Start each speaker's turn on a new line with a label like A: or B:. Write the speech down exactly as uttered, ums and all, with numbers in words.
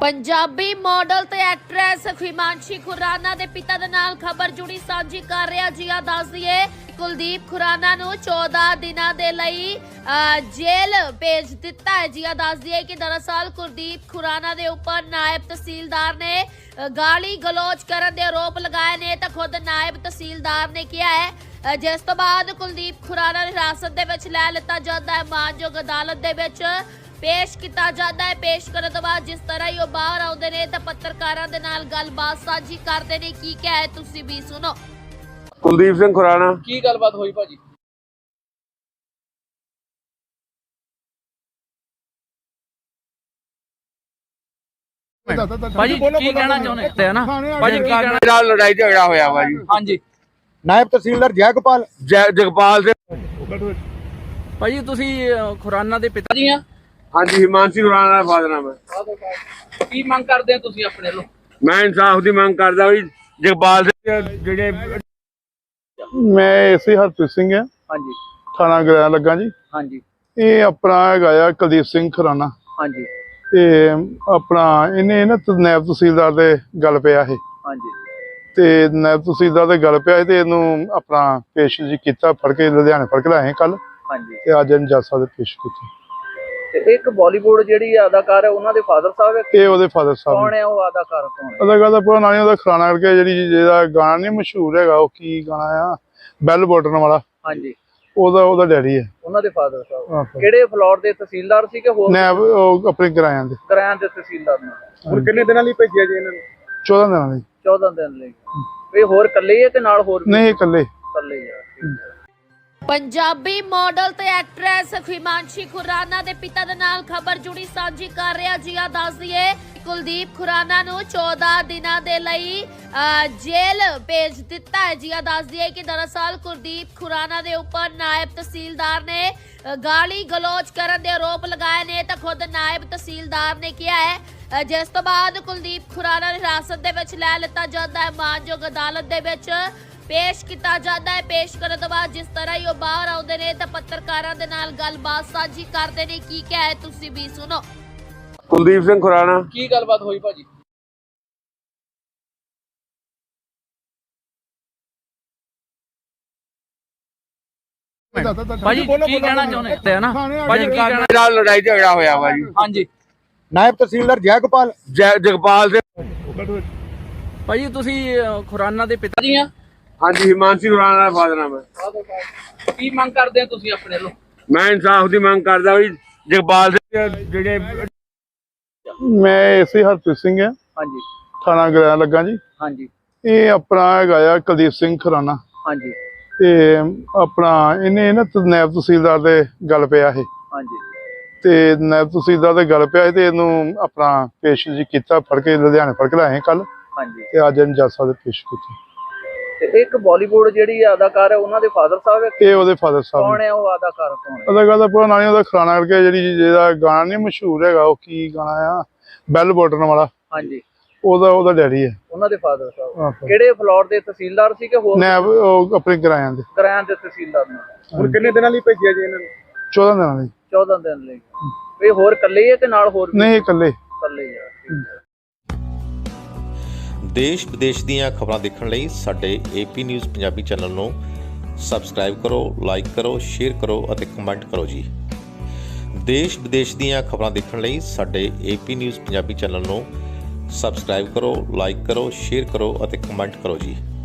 A: Punjabi model ते actress Himanshi Khurana दे पिता दे नाल खबर जुड़ी सांझी कर रहा जी। दस दिए कुलदीप खुराना नू चौदह दिनों के लिए जेल भेज दिता है जी। दस दिए कि दरअसल कुलदीप खुराना दे ऊपर नायब तहसीलदार ने गाली गलोच करने के आरोप लगाए ने तो खुद नायब तहसीलदार ने किया है, जिस तो बाद कुलदीप खुराना हिरासत दे विच लै लिता जाता है, मानयोग अदालत दे विच पेश किया जाता है। पेश करने तो बाद जिस तरह ही बाहर आउंदे ने ते पत्रकारां दे नाल गलबात साझी करदे ने, की क्या है तुसीं भी सुनो।
B: कुलदीप सिंह खुराना
C: की गलबात हुई भाजी? भाजी की कहना चाਹੁੰਦੇ ਹੈ ਨਾ ਭਾਜੀ ਕੀ ਕਹਿਣਾ?
B: ਨਾਲ ਲੜਾਈ ਝਗੜਾ ਹੋਇਆ ਵਾ ਜੀ।
C: ਹਾਂਜੀ
D: ਨਾਇਬ ਤਹਿਸੀਲਦਾਰ ਜੈਗੋਪਾਲ
B: ਜੈ- ਜਗਪਾਲ ਦੇ
C: ਭਾਜੀ ਤੁਸੀਂ ਖੁਰਾਨਾ ਦੇ ਪਿਤਾ ਜੀ ਆ?
B: ਹਾਂਜੀ, ਹਿਮਾਂਸ਼ੀ ਖੁਰਾਨਾ ਦਾ ਫਾਦਰ ਨਾਮ ਹੈ।
C: ਕੀ ਮੰਗ ਕਰਦੇ ਆ ਤੁਸੀਂ ਆਪਣੇ ਵੱਲੋਂ?
B: ਮੈਂ ਇਨਸਾਫ ਦੀ ਮੰਗ ਕਰਦਾ ਵੀ ਜਗਪਾਲ ਦੇ ਜਿਹੜੇ
D: ਮੈਂ ਇਸੇ ਹਰਪ੍ਰੀਤ ਸਿੰਘ ਆ,
C: ਹਾਂਜੀ
D: ਥਾਣਾ ਗ੍ਰਹਿ ਲੱਗਾ ਜੀ।
C: ਹਾਂਜੀ
D: ਇਹ ਆਪਣਾ ਹੈਗਾ ਆ ਕੁਲਦੀਪ ਸਿੰਘ ਖੁਰਾਨਾ
C: ਹਾਂਜੀ
D: ਤੇ ਆਪਣਾ ਇਹਨੇ ਨਾ ਤ- ਨਾਇਬ ਤਹਿਸੀਲਦਾਰ ਦੇ ਗੱਲ ਪਿਆ ਇਹ
C: ਹਾਂਜੀ
D: ਤੇ ਨਾਇਬ ਤਹਿਸੀਲਦਾਰ ਦੇ ਗੱਲ ਪਿਆ ਤੇ ਇਹਨੂੰ ਆਪਣਾ ਪੇਸ਼ ਜੀ ਕੀਤਾ, ਫੜ ਕੇ ਲੁਧਿਆਣੇ ਫੜ ਕੇ ਲਾਏ ਕੱਲ
C: ਹਾਂਜੀ
D: ਤੇ ਅੱਜ ਇਹਨੂੰ ਜੱਜ ਸਾਹਿਬ ਦੇ ਪੇਸ਼ ਕੀਤਾ।
C: ਤੇ ਇੱਕ ਬਾਲੀਵੁੱਡ ਜਿਹੜੀ ਅਦਾਕਾਰ ਹੈ ਉਹਨਾਂ ਦੇ ਫਾਦਰ ਸਾਹਿਬ ਹੈ।
D: ਇਹ ਉਹਦੇ ਫਾਦਰ ਸਾਹਿਬ
C: ਕੌਣ
D: ਨੇ।
C: ਹੈ ਉਹ ਅਦਾਕਾਰ? ਕੌਣ ਹੈ?
D: ਉਹਦਾ ਗੱਲ ਪੂਰਾ ਨਾਂ ਨੀ, ਉਹਦਾ ਖੁਰਾਨਾ ਕਰਕੇ ਜਿਹੜੀ ਜਿਹਦਾ ਗਾਣਾ ਨਹੀਂ ਮਸ਼ਹੂਰ ਹੈਗਾ, ਉਹ ਕੀ ਗਾਣਾ ਆ, ਬੈਲ ਬਟਨ ਵਾਲਾ,
C: ਹਾਂਜੀ
D: ਉਹਦਾ ਉਹਦਾ ਡੈਡੀ ਹੈ।
C: ਉਹਨਾਂ ਦੇ ਫਾਦਰ ਸਾਹਿਬ
D: ਆਹੋ।
C: ਕਿਹੜੇ ਫਲੋਰ ਦੇ ਤਹਿਸੀਲਦਾਰ ਸੀ ਕਿ ਹੋਰ
D: ਨਾਇਬ ਉਹ ਆਪਣੇ ਕਿਰਾਇਆਂ ਦੇ
C: ਕਿਰਾਇਆਂ ਦੇ ਤਹਿਸੀਲਦਾਰ ਨੇ?
D: ਹੁਣ
C: ਕਿੰਨੇ ਦਿਨਾਂ ਲਈ ਭੇਜਿਆ ਜੀ ਇਹਨਾਂ ਨੂੰ?
D: ਚੌਦਾਂ ਦਿਨਾਂ ਲਈ।
C: ਚੌਦਾਂ ਦਿਨ ਲਈ। ਇਹ ਹੋਰ ਇਕੱਲੇ ਹੀ ਹੈ ਕਿ ਨਾਲ ਹੋਰ ਵੀ?
D: ਨਹੀਂ, ਇਕੱਲੇ।
C: ਇਕੱਲੇ ਹੀ ਆ। ਠੀਕ ਹੈ।
A: पंजाबी मॉडल ते एक्ट्रेस हिमांशी खुराना दे पिता दे नाल खबर जुड़ी सांझी कर रहा जी। दस दिए कुलदीप खुराना नू चौदह दिनों के लिए जेल भेज दिता है जी। दस दिए कि दरअसल कुलदीप खुराना दे ऊपर नायब तहसीलदार ने गाली गलोच करने के आरोप लगाए ने तो खुद नायब तहसीलदार ने किया है, जिस तो बाद कुलदीप खुराना हिरासत दे विच लै लिता जाता है, मानयोग अदालत दे विच पेश किया जाता है। पेश करने तो बाद जिस तरह ही बाहर आउंदे ने ते पत्रकारां दे नाल गलबात साझी करदे ने, की क्या है तुसीं भी सुनो।
B: ਕੁਲਦੀਪ ਸਿੰਘ ਖੁਰਾਨਾ
C: ਕੀ ਗੱਲਬਾਤ ਹੋਈ ਭਾਜੀ? ਭਾਜੀ ਕੀ ਕਹਿਣਾ ਚਾਹੁੰਦੇ ਹੈ ਨਾ ਭਾਜੀ ਕੀ ਕਹਿਣਾ?
B: ਨਾਲ ਲੜਾਈ ਝਗੜਾ ਹੋਇਆ ਵਾ ਜੀ।
C: ਹਾਂਜੀ
D: ਨਾਇਬ ਤਹਿਸੀਲਦਾਰ ਜੈਗੋਪਾਲ
B: ਜੈ- ਜਗਪਾਲ ਦੇ
C: ਭਾਜੀ ਤੁਸੀਂ ਖੁਰਾਨਾ ਦੇ ਪਿਤਾ ਜੀ ਆ?
B: ਹਾਂਜੀ, ਹਿਮਾਂਸ਼ੀ ਖੁਰਾਨਾ ਦਾ ਫਾਦਰ ਨਾਮ ਹੈ।
C: ਕੀ ਮੰਗ ਕਰਦੇ ਆ ਤੁਸੀਂ ਆਪਣੇ ਵੱਲੋਂ?
B: ਮੈਂ ਇਨਸਾਫ ਦੀ ਮੰਗ ਕਰਦਾ ਵੀ ਜਗਪਾਲ ਦੇ ਜਿਹੜੇ
D: ਮੈਂ ਇਸੇ ਹਰਪ੍ਰੀਤ ਸਿੰਘ ਆ,
C: ਹਾਂਜੀ
D: ਥਾਣਾ ਗ੍ਰਹਿ ਲੱਗਾ ਜੀ।
C: ਹਾਂਜੀ
D: ਇਹ ਆਪਣਾ ਹੈਗਾ ਆ ਕੁਲਦੀਪ ਸਿੰਘ ਖੁਰਾਨਾ
C: ਹਾਂਜੀ
D: ਤੇ ਆਪਣਾ ਇਹਨੇ ਨਾ ਤ- ਨਾਇਬ ਤਹਿਸੀਲਦਾਰ ਦੇ ਗੱਲ ਪਿਆ ਇਹ
C: ਹਾਂਜੀ
D: ਤੇ ਨਾਇਬ ਤਹਿਸੀਲਦਾਰ ਦੇ ਗੱਲ ਪਿਆ ਤੇ ਇਹਨੂੰ ਆਪਣਾ ਪੇਸ਼ ਜੀ ਕੀਤਾ, ਫੜ ਕੇ ਲੁਧਿਆਣੇ ਫੜ ਕੇ ਲਾਏ ਕੱਲ
C: ਹਾਂਜੀ
D: ਤੇ ਅੱਜ ਇਹਨੂੰ ਜੱਜ ਸਾਹਿਬ ਦੇ ਪੇਸ਼ ਕੀਤਾ।
C: ਤੇ ਇੱਕ ਬਾਲੀਵੁੱਡ ਜਿਹੜੀ ਅਦਾਕਾਰ ਹੈ ਉਹਨਾਂ ਦੇ ਫਾਦਰ ਸਾਹਿਬ ਹੈ।
D: ਇਹ ਉਹਦੇ ਫਾਦਰ ਸਾਹਿਬ
C: ਕੌਣ
D: ਨੇ।
C: ਹੈ ਉਹ ਅਦਾਕਾਰ? ਕੌਣ ਹੈ?
D: ਉਹਦਾ ਗੱਲ ਪੂਰਾ ਨਾਂ ਨੀ, ਉਹਦਾ ਖੁਰਾਨਾ ਕਰਕੇ ਜਿਹੜੀ ਜਿਹਦਾ ਗਾਣਾ ਨਹੀਂ ਮਸ਼ਹੂਰ ਹੈਗਾ, ਉਹ ਕੀ ਗਾਣਾ ਆ, ਬੈਲ ਬਟਨ ਵਾਲਾ,
C: ਹਾਂਜੀ
D: ਉਹਦਾ ਉਹਦਾ ਡੈਡੀ ਹੈ।
C: ਉਹਨਾਂ ਦੇ ਫਾਦਰ ਸਾਹਿਬ
D: ਆਹੋ।
C: ਕਿਹੜੇ ਫਲੋਰ ਦੇ ਤਹਿਸੀਲਦਾਰ ਸੀ ਕਿ ਹੋਰ
D: ਨਾਇਬ ਉਹ ਆਪਣੇ ਕਿਰਾਇਆਂ ਦੇ।
C: ਕਿਰਾਇਆਂ ਦੇ ਤਹਿਸੀਲਦਾਰ ਨੇ?
D: ਹੁਣ
C: ਕਿੰਨੇ ਦਿਨਾਂ ਲਈ ਭੇਜਿਆ ਜੀ ਇਹਨਾਂ ਨੂੰ?
D: ਚੌਦਾਂ ਦਿਨਾਂ ਲਈ।
C: ਚੌਦਾਂ ਦਿਨ ਲਈ। ਇਹ ਹੋਰ ਇਕੱਲੇ ਹੀ ਹੈ ਕਿ ਨਾਲ ਹੋਰ ਵੀ?
D: ਨਹੀਂ, ਇਕੱਲੇ।
C: ਇਕੱਲੇ ਹੀ ਆ। ਠੀਕ ਹੈ।
E: ਦੇਸ਼ ਵਿਦੇਸ਼ ਦੀਆਂ ਖਬਰਾਂ ਦੇਖਣ ਲਈ ਸਾਡੇ ਏਪੀ ਨਿਊਜ਼ ਪੰਜਾਬੀ ਚੈਨਲ ਨੂੰ ਸਬਸਕ੍ਰਾਈਬ ਕਰੋ, ਲਾਈਕ ਕਰੋ, ਸ਼ੇਅਰ ਕਰੋ ਅਤੇ ਕਮੈਂਟ ਕਰੋ ਜੀ। ਦੇਸ਼ ਵਿਦੇਸ਼ ਦੀਆਂ ਖਬਰਾਂ ਦੇਖਣ ਲਈ ਸਾਡੇ ਏਪੀ ਨਿਊਜ਼ ਪੰਜਾਬੀ ਚੈਨਲ ਨੂੰ ਸਬਸਕ੍ਰਾਈਬ ਕਰੋ, ਲਾਈਕ ਕਰੋ, ਸ਼ੇਅਰ ਕਰੋ ਅਤੇ ਕਮੈਂਟ ਕਰੋ ਜੀ।